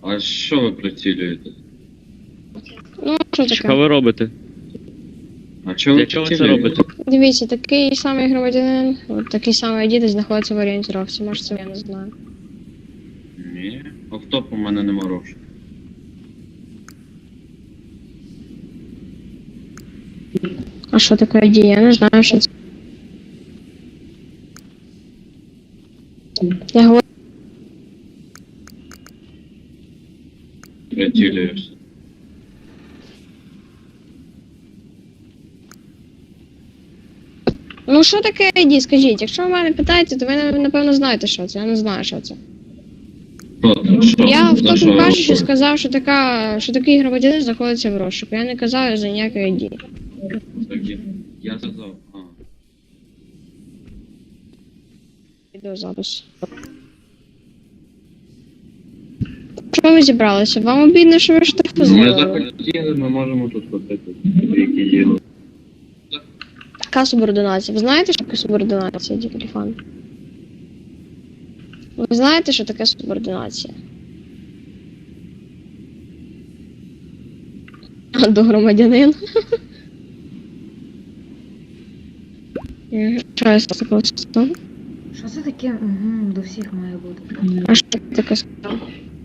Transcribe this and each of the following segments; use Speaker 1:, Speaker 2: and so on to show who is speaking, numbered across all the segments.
Speaker 1: А що ви прицілюєте?
Speaker 2: Ну, що
Speaker 3: Що
Speaker 2: таке?
Speaker 3: ви робите?
Speaker 1: А чого ви
Speaker 3: Для чого ви це
Speaker 1: прицілюєте?
Speaker 3: робите?
Speaker 2: Дивіться, такий самий громадянин, от такий самий дід знаходиться в орієнтировці. Може, це я не знаю.
Speaker 1: Ні. Автоп у мене нема грошей.
Speaker 2: А що таке ID? Я не знаю, що це. Я говорю,
Speaker 1: Прицілюєшся.
Speaker 2: ну що таке ID, скажіть? Якщо ви мене питаєте, то ви напевно знаєте, що це. Я не знаю, що це.
Speaker 1: Що там? Що?
Speaker 2: Я в
Speaker 1: За що
Speaker 2: тому
Speaker 1: ви
Speaker 2: кажучи
Speaker 1: говорите?
Speaker 2: сказав, що такий громадянин знаходиться в розшуку. Я не казав за ніяке ID.
Speaker 1: Такі. Я сказав. А.
Speaker 2: Відеозапис. Що ви зібралися? Вам обідно, що ви штраф
Speaker 1: Ми
Speaker 2: зробили?
Speaker 1: захотіли, ми можемо тут ходити. Які діло.
Speaker 2: Яка субординація? Ви знаєте, що таке субординація, Дікріфан? Ви знаєте, що таке субординація? До громадянин. Що я сказав?
Speaker 4: Що це таке? Угу, до всіх має бути.
Speaker 2: А що таке сказав?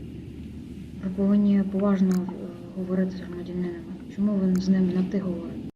Speaker 4: Ви повинні поважно говорити з громадянином. Чому ви з ним на ти говорите?